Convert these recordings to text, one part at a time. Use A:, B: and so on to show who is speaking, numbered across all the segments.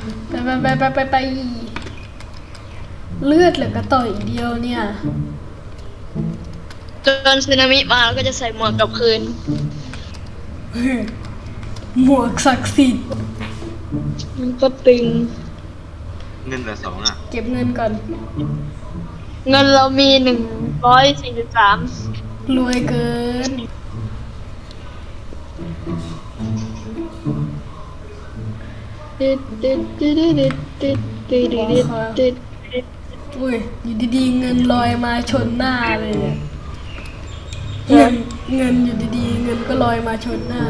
A: ไปเลือดเหลือกระต่อยเดียวเนี่ย
B: จนสึนามิมาแล้วก็จะใส่หมวกกลับคืน
A: หมวกศักดิ์สิทธิ์
B: มันก็ตึง
C: เงินเหลือ2อ่ะ
A: เก็บเงินก่อน
B: เงินเรามี143
A: รวยเกินอุ้ยอยู่ดีๆเงินลอยมาชนหน้าเลยเนี่ยเงินอยู่ดีๆเงินก็ลอยมาชนหน้า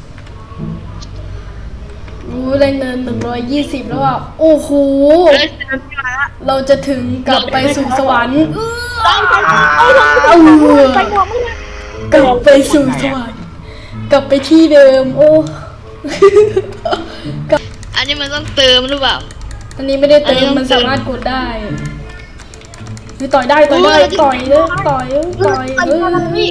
A: ได้เงิน120แล้วอ่ะโอ้โหเราจะถึงกลับไปสู่สวรรค์กลับไปสู่สวรรค์กลับไปที่เดิมโอ้
B: อันนี้มันต้องเติมหรือเปล่า
A: อันนี้ไม่ได้เติมมันสามารถกดได้คือต่อยได้ต่อยเลยต่อยเลย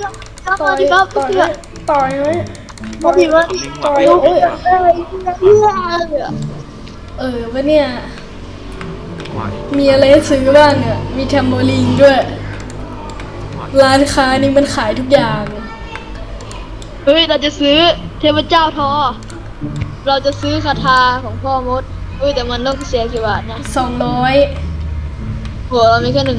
A: วะเนี่ยมีอะไรซื้อบ้างเนี่ยมีแทมโบลินด้วยร้านค้านี่มันขายทุกอย่าง
B: เฮ้ยเราจะซื้อเทพเจ้าทอเราจะซื้อคาถาของพ่อมดแต่มันต้องเสียกี่บาทนะ
A: 200
B: หัวเรามีแค่150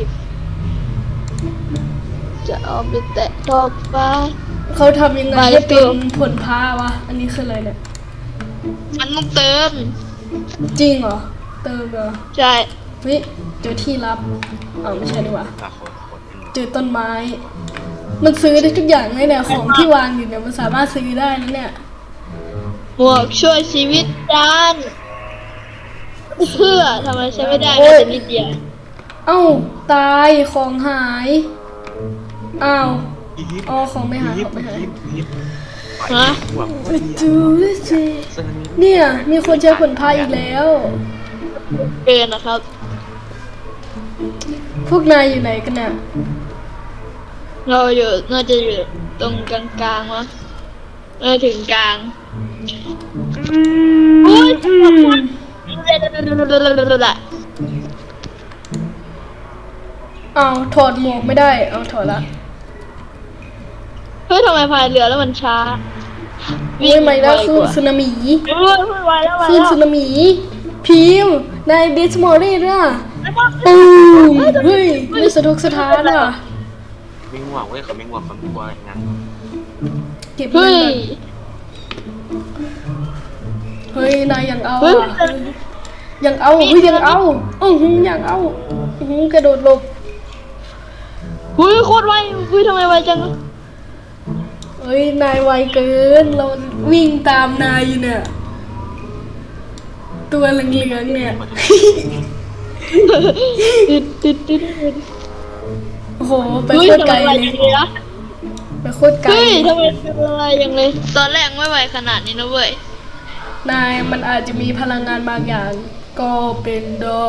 B: จะเอาไปแตะทอบฟ้า
A: เขาทำยังไงให้เป็นผลพาวะอันนี้คืออะไรเนี่ย
B: มันต้องเติม
A: จริงเหรอเติมเหรอ
B: ใช่
A: เฮ้ยเจอที่ลับไม่ใช่ดีกว่าเจอต้นไม้มันซื้อได้ทุกอย่างเลยเนี่ยของที่วางอยู่เนี่ยมันสามารถซื้อได้นะเนี่ย
B: หมวกช่วยชีวิตจานเพื่อทำไมใช้ไม่ได้แต่นิดเดียว
A: ตายของหายของไม่หาย
B: ฮะ
A: ดูสิเนี่ยมีคนใช้ผลพายอีกแล้ว
B: เกินนะครับ
A: พวกนายอยู่ไหนกันเนี่ย
B: เราอยู่น่าจะอยู่ตรงกลางๆวะถึงกลาง
A: ถอดหมวกไม่ได้ถอดละ
B: เฮ้ยทำไมพายเรือแล้วมันช้า
A: วิ่งไม่ได้คือสึนามิคือสึนามิพิมในเดสมอรี่ด้วยปูมเฮ้ยไม่สะทกสะท้านอ่ะ
C: ไม่ง่วงเว้ยเขาไม่ง่วงเขาไม่กลัวอะไรงั้น
A: เก็บเงินเฮ้ยนายยังเอายังเอายังเอากระโดดหลบ
B: โคตรไวทำไมไวจัง
A: นายไวเกินเราวิ่งตามนายอยู่เนี่ยตัวเหลืองๆเนี่ยโอ้โหไปโคตรไกลเลยไปโคตรไกล
B: ทำไมเป็นอะไรยังเลยตอนแรกไม่ไวขนาดนี้นะเว้ย
A: นายมันอาจจะมีพลังงานบางอย่างก็เป็นได้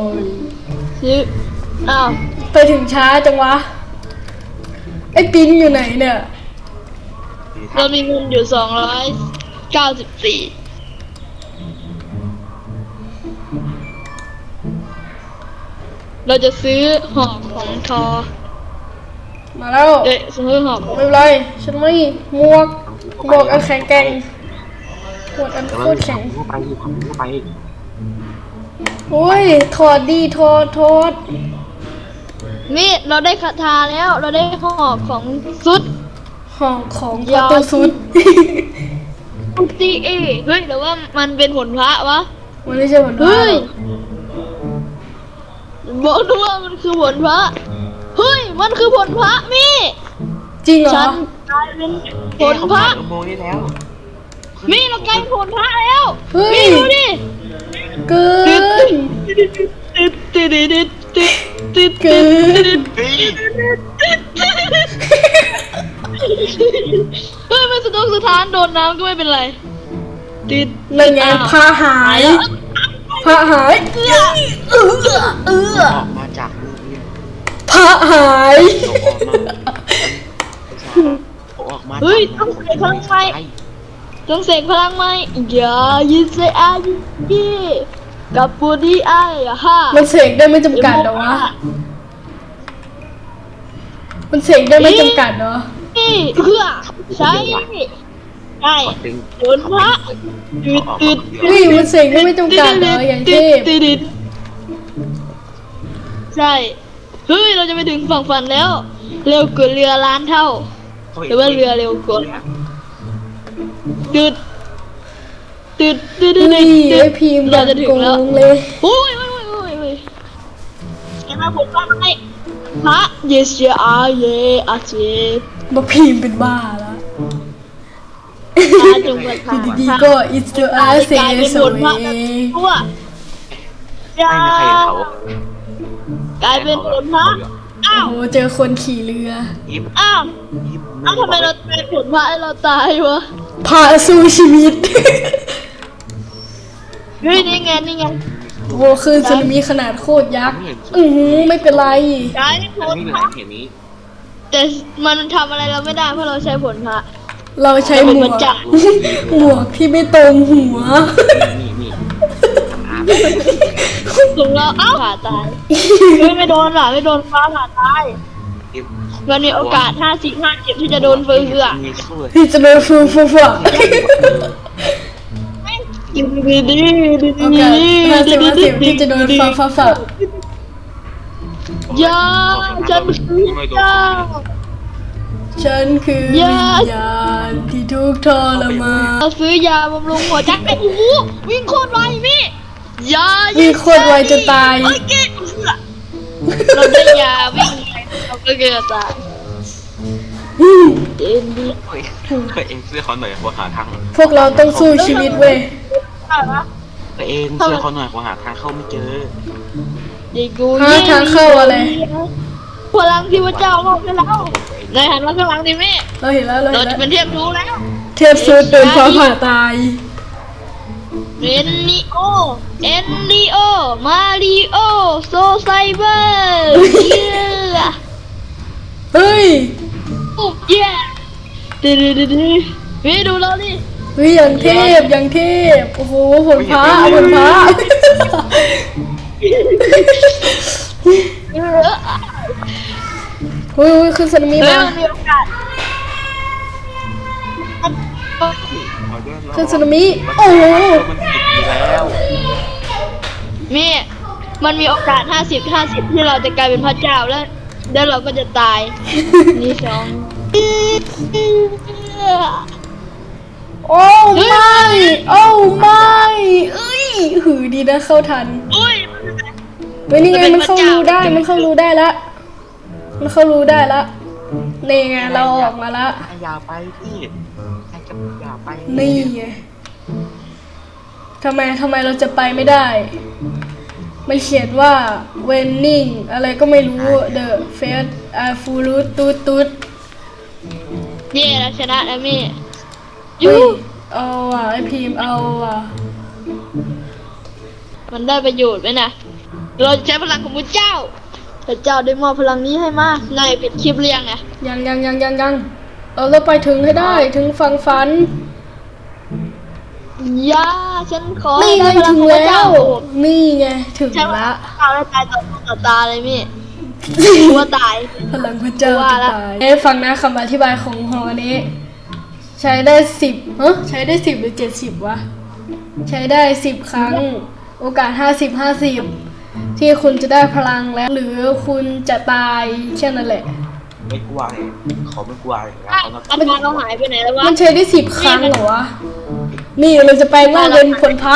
A: ไปถึงช้าจังวะไอ้ปิ้นอยู่ไหนเนี่ย
B: เรามีเงินอยู่294เราจะซื้อหอกของทอ
A: มาแล้ว
B: ซื้อหอก
A: ไม่เป็นไรฉันไม่หมวกอันแข็งแกร่งหมวกอันโคตรแข็ง
C: ไป
A: โอ้ยถอดดีถอด
B: นี่เราได้คาถาแล้วเราได้หอกของซุด
A: ของประตูซุด
B: ตีเฮ้ยแต่ว่ามันเป็นผลพระวะ
A: มันไม่ใช่ผลพระ
B: บอกด้วยว่ามันคือผลพระเฮ้ยมันคือผลพระมี่
A: จริงเหรอ
B: ฉันกลายเป็นผลพระมี่เรากลายเป็นผลพระแล้วมี่ดูดิ
A: เกิน
B: มันสะทกสะท้านโดนน้ำก็ไม่เป็นไร
A: นั่นไงผ้าหาย
C: ออกมาจาก
A: ผ้าหาย
C: ออกมา
B: เฮ้ยต้องใส่ข้างในจงเสกพลังไหมอย่ายินเสียอายีกับปูดีไอ้ฮ่า
A: มันเสกได้ไม่จำกัดเหรอวะมันเสกได้ไม่จำกัดเหรอ
B: นี่เพื่อใช่ใช่โดนพระตืดตืด
A: เฮ้ยมันเสกได้ไม่จำกัดเหรออย่างเทพ
B: ใช่เฮ้ยเราจะไปถึงฝั่งฝันแล้ว เร็วกว่าเรือล้านเท่าหรือว่าเรือเร็วกว่าตืดตืดตืดตืด
A: เฮ้ยไอพีม
B: เราจะถึงแล้ว
A: โกเลย
B: โอ้ยโอ้ยโอ้ยโอ้ยโอ้ยเห็นไหมผมว่าไงพระเยซูอาเยอาเจ
A: มาพีมเป็นบ้าแล้ว
B: พระจงประทาน
A: ดีๆก็ it's the
B: กลาย
A: ass
B: เป็น
A: so
B: บทพระทั่ว
C: ไม่มีใครเห็นเขา
B: กลายเป็นบทพระอ้า
A: โอ้
B: ว
A: โหเจอคนขี่เรือ
C: ยิบ
B: อ้าว
C: ยิบ
B: อ้าวทำไมเราเป็นผลพระให้เราตายวะ
A: พาสู้ชีวิต
B: เฮ้ยนี่ไงนี่ไง
A: โอ้คือสึนามิขนาดโคตรยักษ์ไม่เป็นไร
B: ใช้ผ
C: อัน
B: ล
C: นี้
B: พ
C: เหมือ
B: ระ
C: นเห็นนี้
B: แต่มันทำอะไรเราไม่ได้เพราะเราใช้ผลพระ
A: เราใช้หมว
B: มัน
A: ก
B: จะ
A: หมวกที่ไม่ตรงหัว
C: นี่อาร์ต
B: ถึงเราอ้าวผ่าตายไม่โดนหรอไม่โดนฟ้าผ่าตาย
C: ยิบ
B: มันมีโอกาส50-50ที่จะโดนเฟือง
C: มีสู้เลย
A: ที่จะโดนฟูฟูฟู
B: ดีดีดีดี
A: โอกาส50-50ที่จะโดนฟ้าฟ้าฟ้า
B: อย่าฉันคือเจ้า
A: ฉันคือวิญญาณที่ทุกข์ทรมาน
B: เราซื้อยาบำรุงหัวใจไอ้หูวิ่งโคตรไวมี่ยา
A: วิ่งโคตรไวจะตาย
B: โอเคเราได้ยาวิ่งเราก็เกิดตายเอ็นดี
C: เคยเองเสื้อเขาหน่อยว่าหาทาง
A: พวกเราต้องสู้ชีวิตเว้ย
C: เคยเองเสื้อเขาหน่อยว่าหาทางเข้าไม่เจอ
B: เด็กกู
A: หาทางเข้าอะไร
B: พลังที่พระเจ้ามอบให้เราในหันมาข้างหลังดิแม่
A: เราเห็นแล้วเรา
B: เรา
A: เห็น
B: จะ
A: แล้ว
B: เป็นเทพรู้แล้ว
A: เทพซูดโดนฟ้าผ่าตาย
B: เอ็นนิโอเอ็นดิโอมาริโอโซไซเบอร์เย้
A: เฮ้ย
B: ปุ๊บเย้ดืดดืดดืดพี่ดูเราดิ
A: เฮ้ยอย่างเทพอย่างเทพโอ้โหผลพระผลพระเฮ้ยคือสึนามิ
B: เฮ้ย
A: มา
B: มันมีโอกาส
A: คือสึนามิโอ้โห
C: มันติดอยู่แล้ว
B: มีมันมีโอกาส50-50ที่เราจะกลายเป็นพระเจ้าแล้วเราก็จะตายนี่สอง
A: โอ้ไม่โอ้ไม่เอ้ยหือดีนะเข้าทัน
B: อุ้ย
A: เฮ้ยนี่ไงมันเข้ารูได้มันเข้ารูได้ละมันเข้ารูได้ละนี่ไงเราออกมาละ
C: อย่าไปพี่ใครจะอย่าไป
A: นี่ไงทำไมเราจะไปไม่ได้ มันเขียนว่า winning อะไรก็ไม่รู้ the face are full ตุ๊ด
B: เย่เราชนะแล้วมี่
A: เฮ้ยเอาอ่ะไอพีมเอาอ่ะ
B: มันได้ประโยชน์ไหมนะเราใช้พลังของพระเจ้าพระเจ้าได้มอบพลังนี้ให้มานายปิดคลิปเรียงไง
A: ยังเราไปถึงให้ได้ถึงฝั่งฝัน
B: ย่าฉันขอ
A: นี่ไง
B: ได้พลั
A: ถึ
B: ง
A: ง
B: ของพระ
A: แล้
B: เจ้าว
A: นี่ไงถึง
B: ใช่ไหม
A: ละ
B: ตายแล้วตายต่อตาเลยมี่กลัวตาย
A: พลังพระเจ้า
B: ว่า
A: จะ
B: ละ
A: ตายฟังนะคำอธิบายของหอนี้ ใช้ได้10ใช้ได้10หรือ70วะใช้ได้10ครั้ง โอกาส50ที่คุณจะได้พลังแล้วหรือคุณจะตายแค่นั้นแหละ
C: ไม่กลัวเลยเขาไม่กลัวเลยนะเขา
B: อาการเราหายไปไหนแล้ววะ
A: มันใช้ได้10ครั้งเหรอวะนี่เราจะแปลงร่างเป็นผลพระ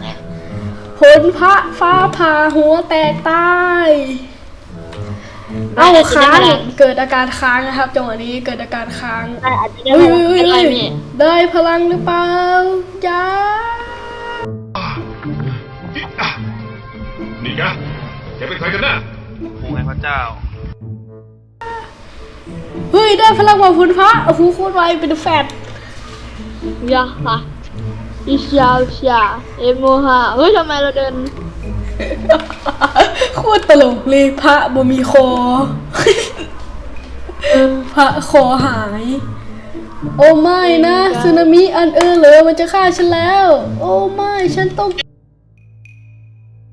A: ฟ้าผ่าหัวแตกตายเอ้าค้างเกิดอาการค้างนะครับจังหวะนี้เกิดอาการค้าง
B: อาจจะได้
A: เฮ้ย
B: เป็นไรมี่
A: ได้พลังหรือเปล่าจ้า
D: นี่ไงแกเป็นใครกันนะ
C: คงไงพระเจ้า
A: เฮ้ยได้พลังมาพุนพระโอ้โหโคตรไวเป็นแฟด
B: ยาค่ะอิชาเอโมฮาเฮ้ยทำไมเราเดิน
A: โคตรตลกเลยพระบ่มีคอพระคอหายโอ้ไม่นะสึนามิอันเลยมันจะฆ่าฉันแล้ว โอ้ไม่ฉันต้อง